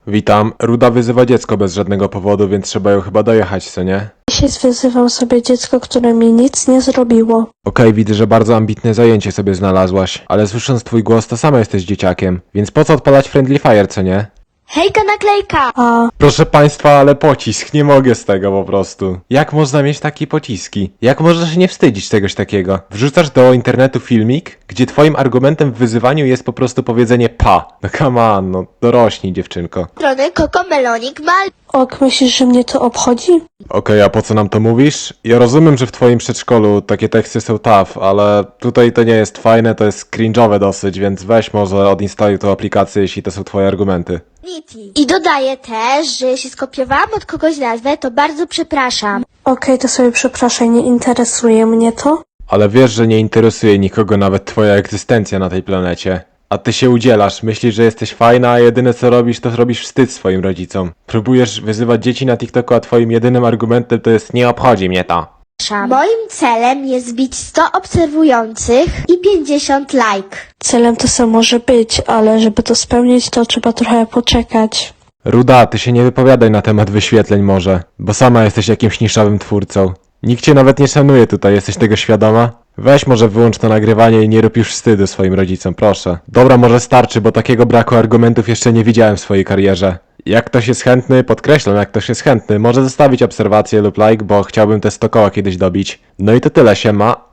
Witam. Ruda wyzywa dziecko bez żadnego powodu, więc trzeba ją chyba dojechać, co nie? Dzisiaj wyzywał sobie dziecko, które mi nic nie zrobiło. Okej, widzę, że bardzo ambitne zajęcie sobie znalazłaś, ale słysząc twój głos, to sama jesteś dzieciakiem, więc po co odpalać Friendly Fire, co nie? Hejka naklejka! A Proszę państwa, ale pocisk, nie mogę z tego po prostu. Jak można mieć takie pociski? Jak można się nie wstydzić czegoś takiego? Wrzucasz do internetu filmik, gdzie twoim argumentem w wyzywaniu jest po prostu powiedzenie pa. No come on, no dorośnij dziewczynko. Strony Kokomelonik Mal. ok, myślisz, że mnie to obchodzi? Okej, a po co nam to mówisz? Ja rozumiem, że w twoim przedszkolu takie teksty są tough, ale tutaj to nie jest fajne, to jest cringe'owe dosyć, więc weź może odinstaluj tą aplikację, jeśli to są twoje argumenty. I dodaję też, że jeśli skopiowałam od kogoś nazwę, to bardzo przepraszam. Okej, to sobie przepraszaj, nie interesuje mnie to. Ale wiesz, że nie interesuje nikogo nawet twoja egzystencja na tej planecie. A ty się udzielasz, myślisz, że jesteś fajna, a jedyne co robisz, to robisz wstyd swoim rodzicom. Próbujesz wyzywać dzieci na TikToku, a twoim jedynym argumentem to jest nie obchodzi mnie to. Moim celem jest zbić 100 obserwujących i 50 like. Celem to samo może być, ale żeby to spełnić, to trzeba trochę poczekać. Ruda, ty się nie wypowiadaj na temat wyświetleń może, bo sama jesteś jakimś niszowym twórcą. Nikt cię nawet nie szanuje tutaj, jesteś tego świadoma? Weź może wyłącz to nagrywanie i nie rób już wstydu swoim rodzicom, proszę. Dobra, może starczy, bo takiego braku argumentów jeszcze nie widziałem w swojej karierze. Jak ktoś jest chętny, podkreślam, jak ktoś jest chętny, może zostawić obserwację lub like, bo chciałbym te 100 koła kiedyś dobić. No i to tyle, siema.